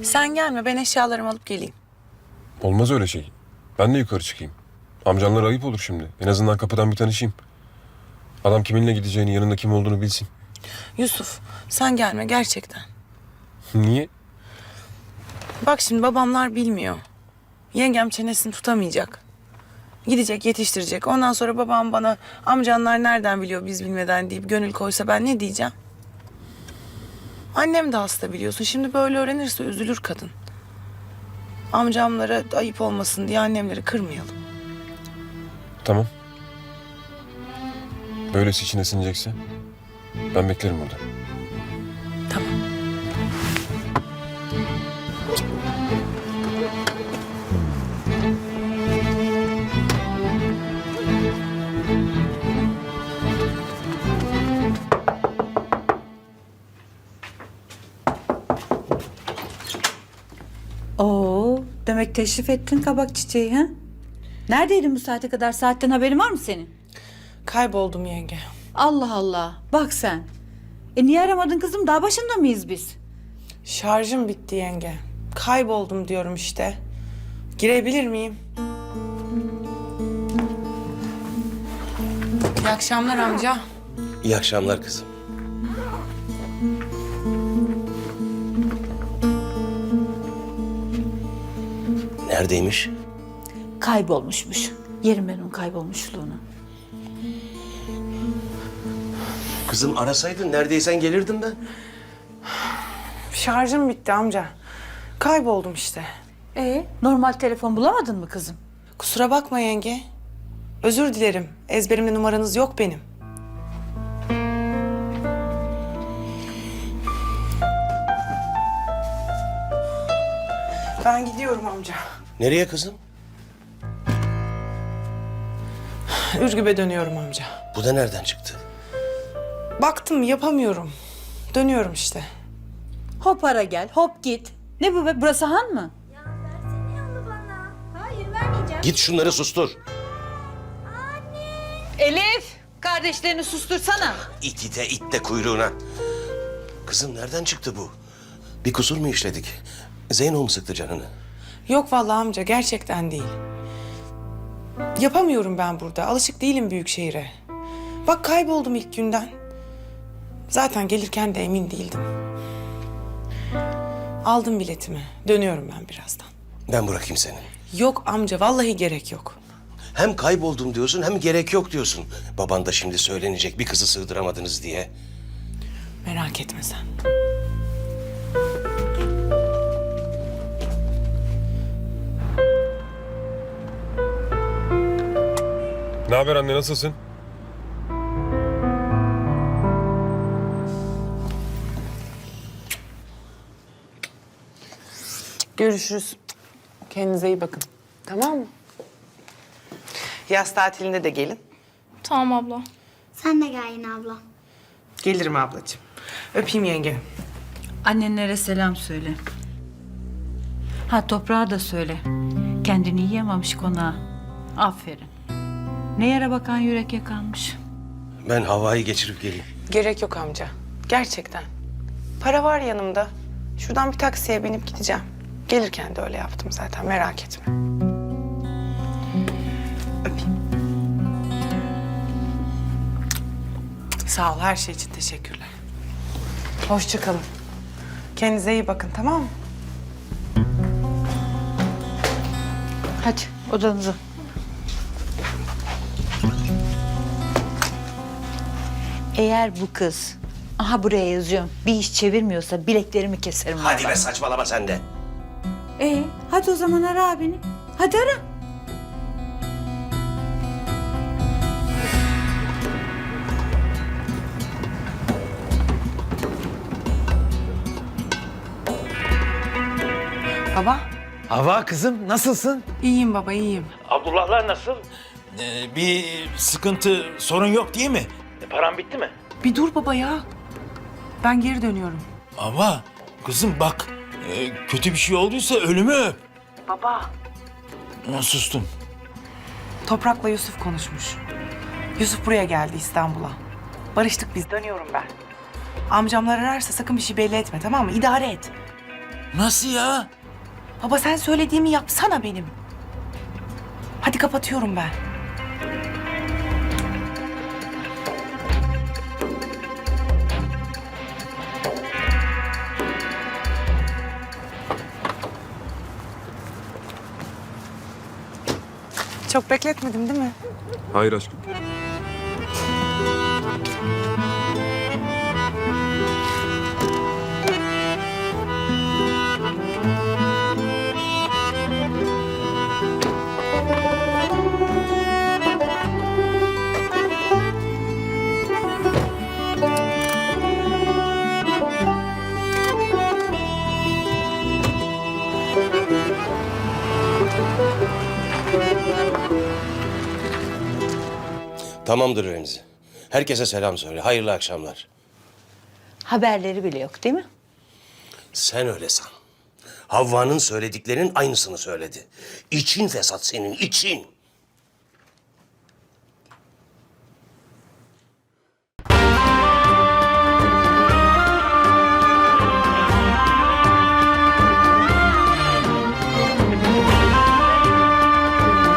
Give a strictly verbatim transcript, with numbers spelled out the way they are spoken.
Sen gelme, ben eşyalarımı alıp geleyim. Olmaz öyle şey. Ben de yukarı çıkayım. Amcanlara ayıp olur şimdi. En azından kapıdan bir tanışayım. Adam kiminle gideceğini, yanında kim olduğunu bilsin. Yusuf, sen gelme gerçekten. Niye? Bak şimdi babamlar bilmiyor. Yengem çenesini tutamayacak. Gidecek, yetiştirecek. Ondan sonra babam bana amcanlar nereden biliyor biz bilmeden deyip gönül koysa ben ne diyeceğim? Annem de hasta biliyorsun. Şimdi böyle öğrenirse üzülür kadın. Amcamlara ayıp olmasın diye annemleri kırmayalım. Tamam. Böylesi içine sinecekse ben beklerim burada. Tamam. Oo, demek teşrif ettin kabak çiçeği ha? Neredeydin bu saate kadar? Saatten haberin var mı senin? Kayboldum yenge. Allah Allah, bak sen. E niye aramadın kızım? Daha başında mıyız biz? Şarjım bitti yenge. Kayboldum diyorum işte. Girebilir miyim? İyi akşamlar amca. İyi akşamlar kızım. Neredeymiş? Kaybolmuşmuş. Yerim ben onun kaybolmuşluğunu. Kızım arasaydın neredeysen gelirdim ben. Şarjım bitti amca. Kayboldum işte. E normal telefon bulamadın mı kızım? Kusura bakma yenge. Özür dilerim. Ezberimde numaranız yok benim. Ben gidiyorum amca. Nereye kızım? Ürgüp'e dönüyorum amca. Bu da nereden çıktı? Baktım yapamıyorum. Dönüyorum işte. Hop ara gel, hop git. Ne bu be? Burası han mı? Ya versene onu bana. Hayır vermeyeceğim. Git şunları sustur. Elif, kardeşlerini sustursana. İt ite it de kuyruğuna. Kızım nereden çıktı bu? Bir kusur mu işledik? Zeyno mu sıktı canını? Yok vallahi amca gerçekten değil. Yapamıyorum ben burada. Alışık değilim büyük şehire. Bak kayboldum ilk günden. Zaten gelirken de emin değildim. Aldım biletimi. Dönüyorum ben birazdan. Ben bırakayım seni. Yok amca vallahi gerek yok. Hem kayboldum diyorsun hem gerek yok diyorsun. Baban da şimdi söylenecek bir kızı sığdıramadınız diye. Merak etme sen. Ne haber anne, nasılsın? Görüşürüz. Kendinize iyi bakın. Tamam mı? Yaz tatilinde de gelin. Tamam abla. Sen de gel yine abla. Gelirim ablacığım. Öpeyim yenge. Annenlere selam söyle. Ha toprağa da söyle. Kendini yiyememiş konağa. Aferin. Ne yere bakan yürek yakanmış. Ben havayı geçirip geleyim. Gerek yok amca. Gerçekten. Para var yanımda. Şuradan bir taksiye binip gideceğim. Gelirken de öyle yaptım zaten. Merak etme. Öpeyim. Sağ ol. Her şey için teşekkürler. Hoşça kalın. Kendinize iyi bakın, tamam mı? Hadi odanıza. Eğer bu kız, aha buraya yazıyorum, bir iş çevirmiyorsa bileklerimi keserim. Hadi vallahi. be saçmalama sen de. Ee, hadi o zaman ara abini. Hadi ara. Baba. Hava kızım nasılsın? İyiyim baba, iyiyim. Abdullahlar nasıl? Ee, bir sıkıntı, sorun yok değil mi? E, paran bitti mi? Bir dur baba ya. Ben geri dönüyorum. Ama kızım bak, e, kötü bir şey olduysa ölümü öp. Baba. Ha, sustum. Toprak'la Yusuf konuşmuş. Yusuf buraya geldi İstanbul'a. Barıştık biz, dönüyorum ben. Amcamlar ararsa sakın bir şey belli etme, tamam mı? İdare et. Nasıl ya? Baba sen söylediğimi yapsana benim. Hadi kapatıyorum ben. Çok bekletmedim değil mi? Hayır aşkım. Tamamdır Remzi. Herkese selam söyle. Hayırlı akşamlar. Haberleri bile yok değil mi? Sen öyle san. Havva'nın söylediklerinin aynısını söyledi. İçin fesat senin, için.